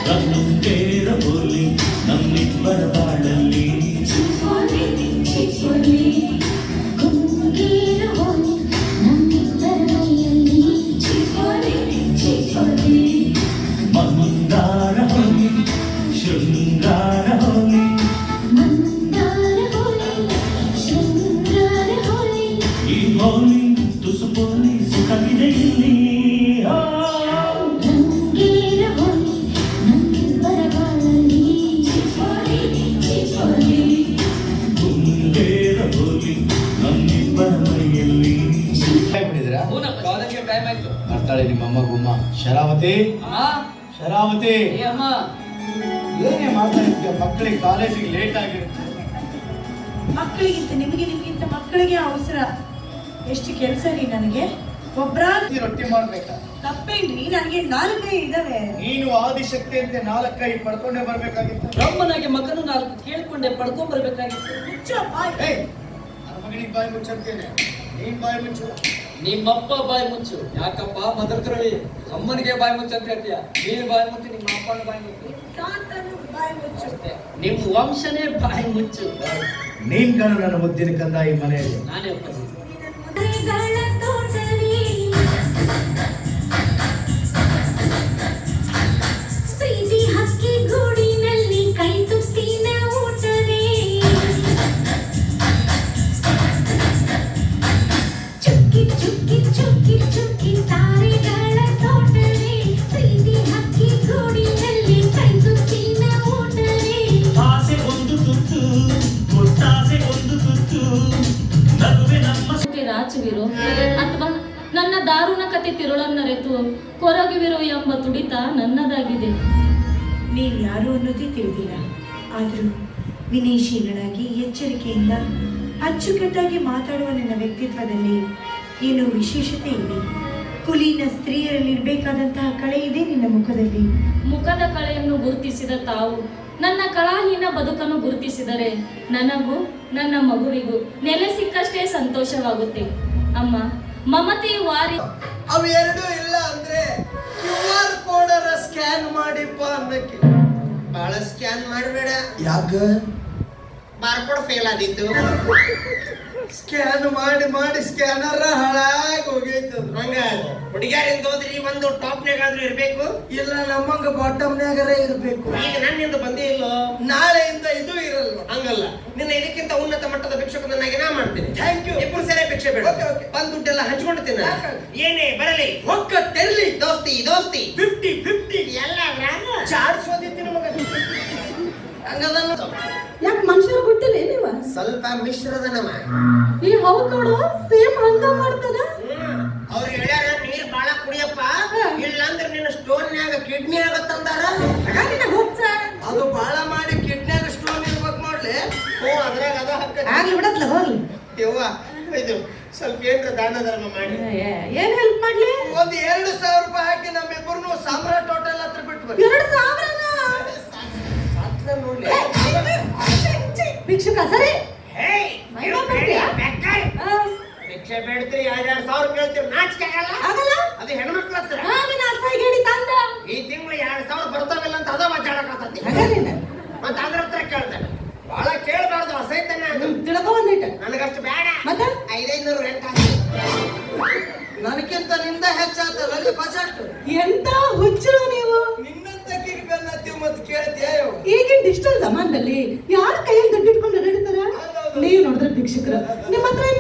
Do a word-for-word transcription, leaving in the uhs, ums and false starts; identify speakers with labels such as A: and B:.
A: ಕಣ್ಣುಂಬೇರ ಹೋಲಿ ನಮ್ಮಿಬ್ಬರ ಬಾಳಲ್ಲಿ ಮಂದಾರ ಹೋಲಿ ಶೃಂಗಾರ ಹೋಲಿ ಈ ಹೋಲಿ ತುಸು ಹೋಲಿ ಸುಖವಿದೆ ಇಲ್ಲಿ
B: ಬರ್ತಾಳೆ ನಿಮ್ಮಮ್ಮ ಗುಮ್ಮ. ಶರಾವತಿ ಶರಾವತಿ ಏನೇ ಮಾತಾಡ್ತೀಯ? ಮಕ್ಕಳಿಗೆ ಕಾಲೇಜಿಗೆ ಲೇಟ್ ಆಗಿರುತ್ತೆ.
C: ಮಕ್ಕಳಿಗಿಂತ ನಿಮಗೆ ನಿಮಗಿಂತ ಮಕ್ಕಳಿಗೆ ಅವಸರ. ಎಷ್ಟು ಕೆಲಸ ರೀ ನನಗೆ. ಒಬ್ರಾದ್ರೂ
B: ರೊಟ್ಟಿ ಮಾಡ್ಬೇಕಾ?
C: ತಪ್ಪೇನ್ರಿ, ನನಗೆ ನಾಲ್ಕೈ ಇದಾವೆ.
B: ನೀನು ಆದಿಶಕ್ತಿ ಅಂತ ನಾಲ್ಕೈ ಪಡ್ಕೊಂಡೇ ಬರ್ಬೇಕಾಗಿತ್ತು.
D: ಬ್ರಹ್ಮನಾಗೆ ಮಗನು ನಾಲ್ಕು ಕೇಳ್ಕೊಂಡೆ ಪಡ್ಕೊಂಡ್ ಬರ್ಬೇಕಾಗಿತ್ತು.
B: ಮಗನಿಗೆ ಬಾಯಿ ಮುಚ್ಚಂತೇನೆ, ನೀನ್ ಬಾಯಿ ಮುಚ್ಚು.
D: ನಿಮ್ಮಪ್ಪ ಬಾಯಿ ಮುಚ್ಚು. ಯಾಕಪ್ಪ ಮದರ್ತ್ರವಿ ಅಮ್ಮನಿಗೆ ಬಾಯಿ ಮುಚ್ಚು ಅಂತ ಹೇಳ್ತೀಯ? ನೀನ್ ಬಾಯಿ ಮುಚ್ಚು, ನಿಮ್ಮ ಅಪ್ಪನ ಬಾಯಿ ಮುಚ್ಚು,
C: ಬಾಯಿ ಮುಚ್ಚು.
D: ನಿಮ್ ವಂಶನೇ ಬಾಯಿ ಮುಚ್ಚು.
B: ನೀನ್ ಕಾಣು ನನ್ನ ಮುದ್ದಿನ ಕಂದ ಈ ಮನೆಯಲ್ಲಿ.
D: ನಾನೇ ಒಪ್ಪ
E: ರಾಚುವಿರು ಅಥವಾ ನನ್ನ ದಾರುಣ ಕತೆ ತಿರುಳನ್ನರೆತು ಕೊರಗುವಿರು ಎಂಬ ತುಡಿತ ನನ್ನದಾಗಿದೆ.
C: ನೀನ್ ಯಾರು ಅನ್ನೋದೇ ತಿಳಿದಿಲ್ಲ. ಆದ್ರೂ ವಿನಯಶೀಲನಾಗಿ ಎಚ್ಚರಿಕೆಯಿಂದ ಅಚ್ಚುಕಟ್ಟಾಗಿ ಮಾತಾಡುವ ನನ್ನ ವ್ಯಕ್ತಿತ್ವದಲ್ಲಿ ಏನೋ ವಿಶೇಷತೆ ಇದೆ. ಕುಲೀನ ಸ್ತ್ರೀಯರಲ್ಲಿರ್ಬೇಕಾದಂತಹ ಕಳೆ ಇದೆ ನಿನ್ನ ಮುಖದಲ್ಲಿ.
E: ಮುಖದ ಕಳೆಯನ್ನು ಗುರುತಿಸಿದ ತಾವು ನನ್ನ ಕಳಾಹೀನ ಬದುಕನ್ನು ಗುರುತಿಸಿದರೆ ನನಗೂ ನನ್ನ ಮಗುವಿಗೂ ನೆಲೆ ಸಿಕ್ಕಷ್ಟೇ ಸಂತೋಷವಾಗುತ್ತೆ. ಅಮ್ಮ, ಮಮತೆ ವಾರಿ
F: ಅವೆರಡೂ ಇಲ್ಲ ಅಂದ್ರೆ ಕ್ಯೂ ಆರ್ ಕೋಡರ ಸ್ಕ್ಯಾನ್ ಮಾಡಿಪ್ಪ ಅನ್ನಕ್ಕೆ. ಬಹಳ ಸ್ಕ್ಯಾನ್ ಮಾಡಬೇಡ.
B: ಯಾಕ?
F: Barcode fail ಆದಿತ್ತು. ಸ್ಕ್ಯಾನ್ ಮಾಡಿ ಮಾಡಿ ಸ್ಕ್ಯಾನರ್ ಹಾಳಾಗಿ ಹೋಗೈತು. ಹಂಗ ಹುಡುಗಿಯರಿಂದ ಹೋದ್ರಿ ಒಂದು ಟಾಪ್ನಾಗಾದ್ರೂ ಇರ್ಬೇಕು. ಇಲ್ಲ ನಮ್ಮಂಗ ಬಾಟಮ್ನಾಗರೇ ಇರ್ಬೇಕು. ಈಗ ನನ್ನಿಂದ ಬಂದೇ ಇಲ್ಲ, ನಾಳೆಯಿಂದ ಇದು ಇರಲ್ಲ. ಹಂಗಲ್ಲ, ನಿನ್ನ ಇದಕ್ಕಿಂತ ಉನ್ನತ ಮಟ್ಟದ ಭಿಕ್ಷಕನಾಗಿ ನಾ ಮಾಡ್ತೀನಿ. Thank you. ಇಬ್ಬರು ಸೇರೆ ಭಿಕ್ಷೆ ಬೇಡ, ಬಂದ್ ದುಡ್ಡೆಲ್ಲ ಹಂಚ್ಕೊಂಡಿದ್ದೀನಿ. ಏನೇ ಬರಲಿ ಹೊಕ್ಕ ತೆರಲಿ ದೋಸ್ತಿ ದೋಸ್ತಿ ಫಿಫ್ಟಿ ಫಿಫ್ಟಿ ಎಲ್ಲ ಚಾಡ್ಸೋದಿತ್ತು ನಮಗ. ಹಂಗದನ್ನ
C: ಯಾಕೆ ಮನುಷ್ಯರು ಗೊತ್ತಿಲ್ಲ ನೀವ?
F: ಸ್ವಲ್ಪ ಮಿಶ್ರದ ನಮ್ಮ
C: ಈ ಹೌದ್ ನೋಡು, ಸೇಮ್ ಹಂಗ ಮಾಡ್ತಾನ.
F: ಅವ್ರು ಹೇಳ್ಯಾರ ನೀರ್ ಬಾಳ ಕುಡಿಯಪ್ಪ, ಇಲ್ಲ ಅಂದ್ರೆ ನಿನ್ನ ಸ್ಟೋನ್ಯಾಗ ಕಿಡ್ನಿ ಆಗತ್ತಂದಾರ. ಅದು ಬಾಳ ಮಾಡಿ ಕಿಡ್ನಿಯಾಗ ಸ್ಟೋನ್ ಇರ್ಬೇಕು ನೋಡ್ಲಿ. ಓ ಅದ್ರಾಗ ಅದ ಹಕ್ಕ
C: ಆಗ್ಲಿ ಬಿಡತ್ಲ ಹೋಗ್ಲಿ.
F: ಯವ್ವ ಇದು ಸ್ವಲ್ಪ ಏನ್ರ ದಾನ ಧರ್ಮ ಮಾಡಿ.
C: ಏನ್ ಹೆಲ್ಪ್ ಮಾಡ್ಲಿ?
F: ಒಂದ್ ಎರಡು ಸಾವಿರ ರೂಪಾಯಿ ಹಾಕಿ ನಮ್ಮಿಬ್ಬರು ಸಾಮ್ರಾಟ್ ಹೋಟೆಲ್ ಹತ್ರ ಬಿಟ್ಟು ಬರ್ರಿ.
C: ಎರಡು ಸಾವಿರನ
F: ನೋಡ್ಲಿ
C: ಭಿಕ್ಷುಕ ಸರಿ.
F: ಭಿಕ್ಷೆ ಬೇಡ್ತೀರಿ, ಎರಡ್ ಸಾವಿರ ಕೇಳ್ತೀರಿ, ನಾಚಿಕೆ ಆಗಲ್ಲ?
C: ಆಗಲ್ಲ.
F: ಅದು ಹೆಣ್ಮಕ್ಳ ಹತ್ರ. ಈ ತಿಂಗಳು ಎರಡ್ ಸಾವಿರ ಬರ್ತಾವಿಲ್ಲ ಅಂತ ಅದ ಮಾತಾಡಕತ್ತತಿ. ಮತ್ತ ಅದ್ರ ಹತ್ರ ಕೇಳ್ತಾನೆ. ಬಹಳ ಕೇಳಬಾರ್ದು, ಅಸೈತಾನೆ.
C: ತಿಳ್ಕೊ ಬಂದಿಟ್ಟ
F: ನನಗಷ್ಟು ಬೇಡ.
C: ಮತ್ತೆ
F: ಐದೈನೂರು ರೆಂಟ್ ಹಾಕಿ. ನನಗಿಂತ ನಿಂದ ಹೆಚ್ಚಾಗ್ತದೆ ಬಜೆಟ್.
C: ಎಂತ ಹುಚ್ಚರು ನೀವು.
F: ನಿನ್ನಂತ ಕಿರಿಬೆನ್ನತ್ತೀವಿ ಮತ್ತೆ ಕೇಳ್ತೀಯ?
C: ಈಗಿನ ಡಿಜಿಟಲ್ ಜಮಾನದಲ್ಲಿ ಯಾರ ಕೈಯಲ್ಲಿ ದುಡ್ಡು ಇಟ್ಕೊಂಡು ನಡೀತಾರ? ನೀವು ನೋಡಿದ್ರೆ ಭಿಕ್ಷುಕರು ನಿಮ್ಮ ಹತ್ರ